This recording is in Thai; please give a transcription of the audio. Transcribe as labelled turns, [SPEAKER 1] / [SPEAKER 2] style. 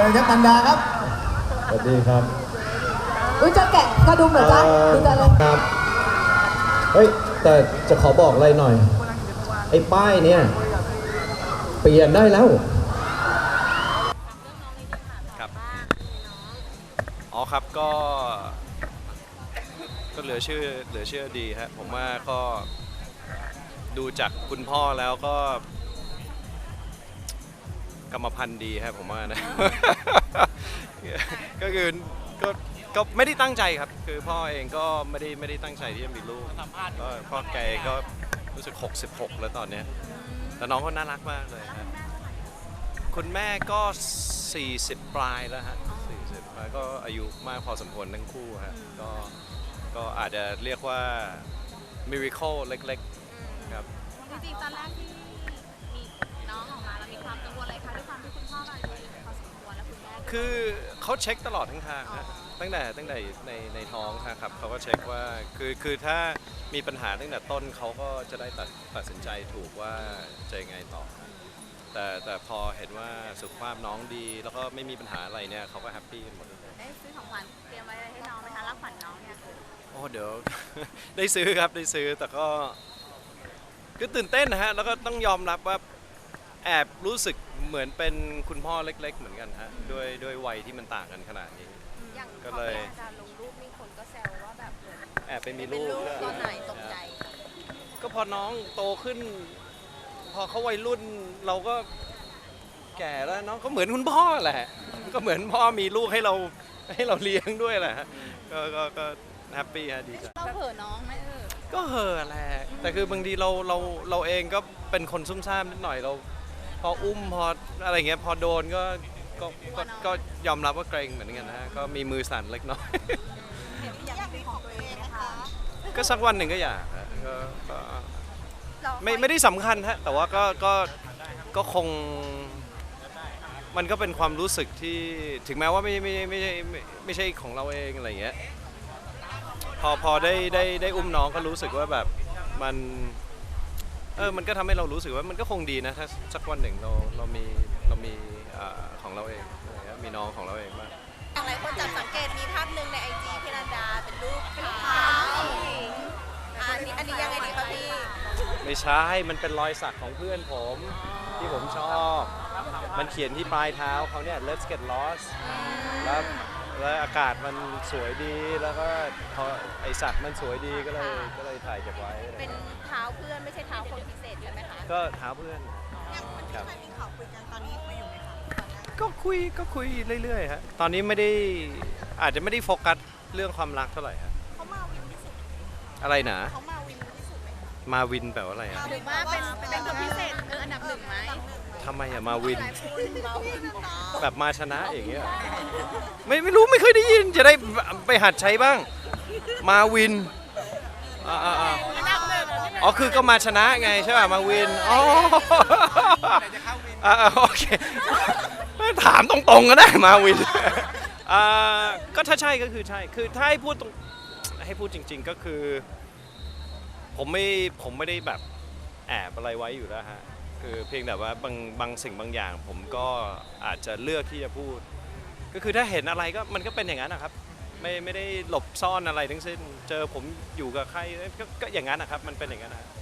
[SPEAKER 1] ชิญครับนันดาครับ
[SPEAKER 2] สวัสดีครับ
[SPEAKER 3] อุ้ยจะแกะกระดุมเหรอจ๊ะดูจะเลย
[SPEAKER 2] ครับเฮ้ยแต่จะขอบอกอะไรหน่อยไอ้ป้ายเนี่ยเปลี่ยนได้แล้ว
[SPEAKER 4] ครับอ๋อครับก็เหลือเชื่อดีฮะผมว่าก็ดูจากคุณพ่อแล้วก็กรรมพันธุ์ดีครับผมว่านะ ก็คือก็ไม่ได้ตั้งใจครับคือพ่อเองก็ไม่ได้ตั้งใจที่จะมีลูกก็พ่อแกก็รู้สึก66แล้วตอนนี้แต่น้องก็น่ารักมากเลยครับคุณแม่ก็40ปลายแล้วฮะ40แล้วก็อายุมากพอสมควรทั้งคู่ฮะก็อาจจะเรียกว่า miracle เล็กๆครับ
[SPEAKER 5] จริงๆตอนแรกที่มีน้องออกมาเรามีความกังวลอะไรคะด้วยความที่คุณพ่อเราอายุพอสมควรและคุณแม่
[SPEAKER 4] คือเขาเช็คตลอดทั้งทางนะตั้งแต่ในท้องครับเขาก็เช็คว่าคือถ้ามีปัญหาตั้งแต่ต้นเขาก็จะได้ตัดสินใจถูกว่าจะยังไงต่อแต่พอเห็นว่าสุขภาพน้องดีแล้วก็ไม่มีปัญหาอะไรเนี่ยเขาก็แฮปปี้กันหมด
[SPEAKER 5] ได้ซื้อของขวัญเตรียมไว้ให้น้องไหมคะรับขวัญน้องเนี่ย
[SPEAKER 4] โอ้เดี๋ยว ได้ซื้อครับได้ซื้อแต่ก็ตื่นเต้นนะฮะแล้วก็ต้องยอมรับว่าแอบรู้สึกเหมือนเป็นคุณพ่อเล็กๆเหมือนกันฮะด้วยวัยที่มันต่างกันขนาดนี้
[SPEAKER 5] ก็เลยการลงรูปมีคนก็แซวว่าแบบ
[SPEAKER 4] แอบไปมีลูก
[SPEAKER 5] ตอนไหนตกใจ
[SPEAKER 4] ก็พอน้องโตขึ้นพอเขาวัยรุ่นเราก็แก่แล้วน้องก็เหมือนคุณพ่อแหละก็เหมือนพ่อมีลูกให้เราเลี้ยงด้วยแหละก็แฮปปี้ฮะดีใจ
[SPEAKER 5] เราเห่อน้องไหม
[SPEAKER 4] ก็เห่อแหละแต่คือบางทีเราเองก็เป็นคนซุ่มซ่ามนิดหน่อยเราพออุ้มพออะไรเงี้ยพอโดนก็ยอมรับว่าเกรงเหมือนกันนะฮะก็มีมือสั่นเล็กน้อย
[SPEAKER 5] อยากมีของตัวเองนะคะ
[SPEAKER 4] ก็สักวันหนึ่งก็อยากก็ไม่ได้สำคัญฮะแต่ว่าก็คงมันก็เป็นความรู้สึกที่ถึงแม้ว่าไม่ใช่ของเราเองอะไรเงี้ยพอได้อุ้มน้องก็รู้สึกว่าแบบมันก็ทำให้เรารู้สึกว่ามันก็คงดีนะถ้าสักวันหนึ่งเรามีของเราเองมีน้องของเราเองบ้าง
[SPEAKER 5] อย่างไรคนจับสังเกตมีภาพหนึ่งใน IG พี่นันดาเป็นรูปเท้าอันนี้ยังไงดีคะพี่
[SPEAKER 4] ไม่ใช่มันเป็นรอยสักของเพื่อนผมที่ผมชอบมันเขียนที่ปลายเท้าเขาเนี่ย Let's get lost แล้วอากาศมันสวยดีแล้วก็พอไอสักมันสวยดีก็เลยถ่ายเก็บไว้
[SPEAKER 5] เป็นเท้าเพื่อนไม่ใช่เท้าคนพิเศษใช่ไหมคะ
[SPEAKER 4] ก็เท้าเพื่อน
[SPEAKER 5] ครับมีข่าวคุยกันตอนนี้คุยอยู่ไหมคะ
[SPEAKER 4] ก็คุยเรื่อยๆฮะตอนนี้อาจจะไม่ได้โฟกัสเรื่องความรักเท่าไหร่ฮะ
[SPEAKER 5] เขามาวินที่สุด
[SPEAKER 4] อะไรนะ
[SPEAKER 5] เขามาวินที่สุดไหม
[SPEAKER 4] มาวินแปลว่าอะไรอ่ะ
[SPEAKER 5] หรือว่าเป็นคนพิเศษอันดับหนึ่งไหม
[SPEAKER 4] ทำไมอะมาวินแบบมาชนะอย่างเงี้ยไม่รู้ไม่เคยได้ยินจะได้ไปหัดใช้บ้างมาวินอ๋อคือก็มาชนะไงใช่ป่ะมาวินอ๋อโอเคถามตรงๆก็ได้มาวินก็ถ้าใช่ก็คือใช่คือถ้าให้พูดจริงๆก็คือผมไม่ได้แบบแอบอะไรไว้อยู่แล้วฮะคือเพียงแต่ว่าบางสิ่งบางอย่างผมก็อาจจะเลือกที่จะพูดก็คือถ้าเห็นอะไรก็มันก็เป็นอย่างนั้นนะครับไม่ได้หลบซ่อนอะไรทั้งสิ้นเจอผมอยู่กับใครก็อย่างนั้นนะครับมันเป็นอย่างนั้นนะ